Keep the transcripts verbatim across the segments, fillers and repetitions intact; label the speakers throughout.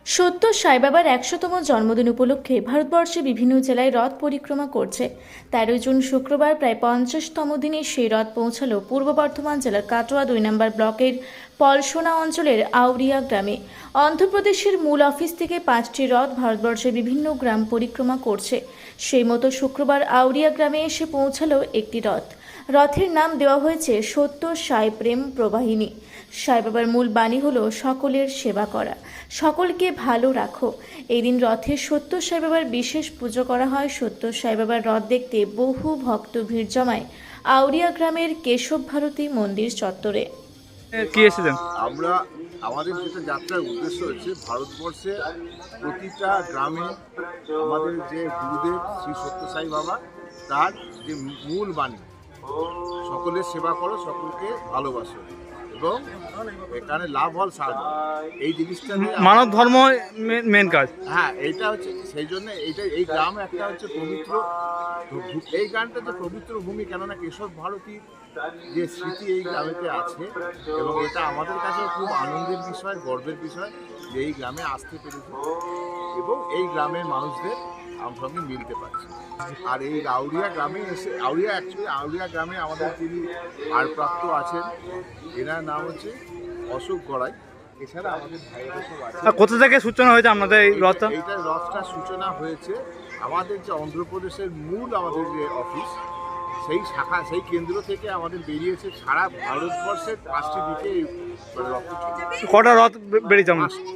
Speaker 1: সত্য সাই বাবার একশোতম জন্মদিন উপলক্ষে ভারতবর্ষে বিভিন্ন জেলায় রথ পরিক্রমা করছে। তেরো জুন শুক্রবার প্রায় পঞ্চাশতম দিনে সেই রথ পৌঁছালো পূর্ব বর্ধমান জেলার কাটোয়া দুই নম্বর ব্লকের পলসোনা অঞ্চলের আউরিয়া গ্রামে। অন্ধ্রপ্রদেশের মূল অফিস থেকে পাঁচটি রথ ভারতবর্ষের বিভিন্ন গ্রাম পরিক্রমা করছে। সেই মতো শুক্রবার আউরিয়া গ্রামে এসে পৌঁছালো একটি রথ। রথের নাম দেওয়া হয়েছে সত্য সাই প্রেম প্রবাহিনী। সাই বাবার মূল বাণী হলো সকলের সেবা করা, সকলকে ভালো রাখো। এই দিন রথে সত্য সাই বাবার বিশেষ পুজো করা হয়। সত্য সাই বাবার রথ দেখতে বহু ভক্ত ভিড় জমায় আউরিয়া গ্রামের কেশব ভারতী মন্দির চত্বরে।
Speaker 2: কি এসেছেন?
Speaker 3: আমরা আমাদের যেটা যাত্রার উদ্দেশ্য হচ্ছে ভারতবর্ষে প্রতিটা গ্রামে আমাদের যে গুরুদেব শ্রী সত্য সাই বাবা তার যে মূল বাণী সকলের সেবা করো, সকলকে ভালোবাসো এবং এখানে লাভ হল সাহায্য, এই জিনিসটা
Speaker 2: মানব ধর্ম মেন কাজ।
Speaker 3: হ্যাঁ, এইটা হচ্ছে সেই জন্য এইটা এই গ্রাম একটা হচ্ছে পবিত্র, এই গ্রামটা যে পবিত্র ভূমি, কেননা কেশব ভারতীর যে স্মৃতি এই গ্রামেতে আছে এবং এটা আমাদের কাছে খুব আনন্দের বিষয়, গর্বের বিষয় যে এই গ্রামে আসতে পেরেছি এবং এই গ্রামের মানুষদের আমার সঙ্গে মিলতে পারছি। আর এই আউরিয়া গ্রামে এসে আউরিয়া অ্যাকচুয়ালি আউরিয়া গ্রামে আমাদের যিনি ভারপ্রাপ্ত আছেন এনার নাম হচ্ছে অশোক গড়াই। এছাড়া আমাদের ভাইয়েরা সব আছে।
Speaker 2: কোথা থেকে সূচনা হয়েছে আপনাদের এই রথটা?
Speaker 3: এইটা রথটা সূচনা হয়েছে আমাদের যে অন্ধ্রপ্রদেশের মূল আমাদের যে অফিস, সেই শাখা সেই কেন্দ্র থেকে আমাদের বেরিয়েছে সারা ভারতবর্ষের পাঁচটি দিকে রথ।
Speaker 2: কটা রথ বেরিয়েছে?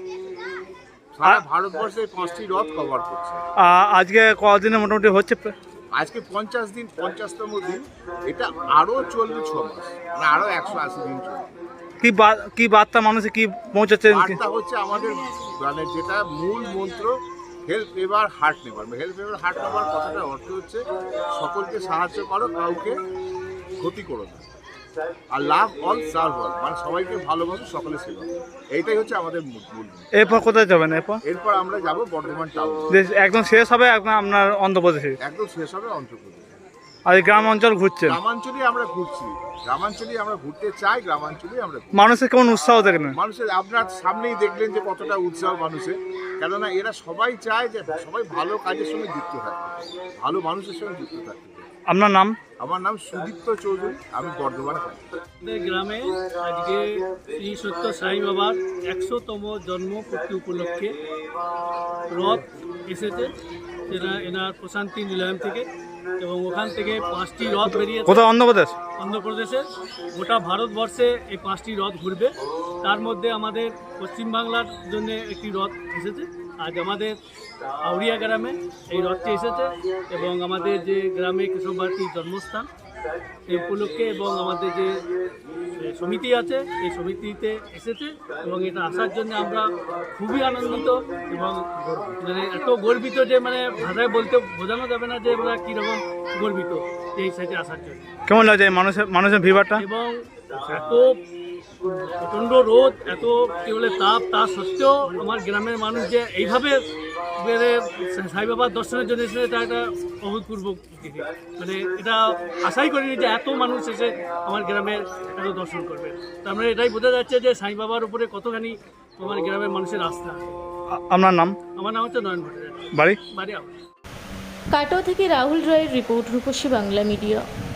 Speaker 3: সারা ভারতবর্ষের পাঁচটি রথ কভার করছে।
Speaker 2: আজকে কদিনে মোটামুটি হচ্ছে?
Speaker 3: আজকে পঞ্চাশ দিন, পঞ্চাশতম দিন। এটা আরো চলবে ছ মাস, মানে আরো একশো আশি দিন চলবে।
Speaker 2: কি কি বার্তা মানুষে কি পৌঁছাচ্ছেন?
Speaker 3: বার্তা হচ্ছে আমাদের মানে যেটা মূল মন্ত্র, help ever hurt never. Help ever hurt never কথাটার অর্থ হচ্ছে সকলকে সাহায্য করো, কাউকে ক্ষতি করো না, আর লাভ অল সার্ভ অল, মানে সবাইকে ভালোবাসো, সকলে সেবা। এইটাই হচ্ছে আমাদের মূল।
Speaker 2: এরপর কোথায় যাবেন? এরপর
Speaker 3: এরপর আমরা যাব বর্ধমান টাউন।
Speaker 2: একদম শেষ হবে আপনার অন্ধ্রপ্রদেশে?
Speaker 3: একদম শেষ হবে অন্ধ্রপ্রদেশে।
Speaker 2: আর গ্রাম অঞ্চল ঘুরছেন?
Speaker 3: গ্রামাঞ্চলেই আমরা ঘুরছি, গ্রামাঞ্চলেই আমরা ঘুরতে চাই, গ্রামাঞ্চলেই আমরা।
Speaker 2: মানুষের কেমন উৎসাহ দেখেন?
Speaker 3: মানুষের আপনার সামনেই দেখলেন যে কতটা উৎসাহ মানুষের, কেননা এরা সবাই চায় যে সবাই ভালো কাজের সঙ্গে যুক্ত থাকে, ভালো মানুষের সঙ্গে যুক্ত থাকে।
Speaker 2: আপনার নাম?
Speaker 3: আমার নাম সুদীপ্ত চৌধুরী, আমি বর্ধমান থাকি।
Speaker 4: আমাদের গ্রামে আজকে শ্রী সত্য সাই বাবার একশোতম জন্মপূর্তি উপলক্ষে রথ এসেছে এরা এনার প্রশান্তি নিলয়ম থেকে, এবং ওখান থেকে পাঁচটি রথ বেরিয়েছে।
Speaker 2: কোথাও? অন্ধ্রপ্রদেশ?
Speaker 4: অন্ধ্রপ্রদেশে গোটা ভারতবর্ষে এই পাঁচটি রথ ঘুরবে। তার মধ্যে আমাদের পশ্চিমবাংলার জন্য একটি রথ এসেছে। আজ আমাদের আউরিয়া গ্রামে এই রথটি এসেছে এবং আমাদের যে গ্রামে কেশব ভারতীর জন্মস্থান এই উপলক্ষে, এবং আমাদের যে সমিতি আছে এই সমিতিতে এসেছে এবং এটা আসার জন্য আমরা খুবই আনন্দিত এবং মানে এত গর্বিত যে মানে ভাষায় বলতে বোঝানো যাবে না যে আমরা কীরকম গর্বিত এই সাইডে আসার জন্য।
Speaker 2: কেমন লাগছে মানুষের মানুষের ভিড়টা?
Speaker 4: এবং এত প্রচণ্ড রোদ, এত কী বলে তাপ, তা সত্ত্বেও আমার গ্রামের মানুষ যে এইভাবে সাই বাবার দর্শনের জন্য এসেছে, এটা একটা অভূতপূর্ব। মানে এটা আশাই করিনি যে এত মানুষ এসে আমার গ্রামের এত দর্শন করবে। তার মানে এটাই বোঝা যাচ্ছে যে সাই বাবার উপরে কতখানি আমার গ্রামের মানুষের আস্থা।
Speaker 2: আপনার নাম?
Speaker 4: আমার নাম হচ্ছে নয়ন ভট্টাচার্য।
Speaker 2: বাড়ি?
Speaker 4: বাড়ি
Speaker 1: কাটোয়া থেকে রাহুল রায়ের রিপোর্ট, রূপসী বাংলা মিডিয়া।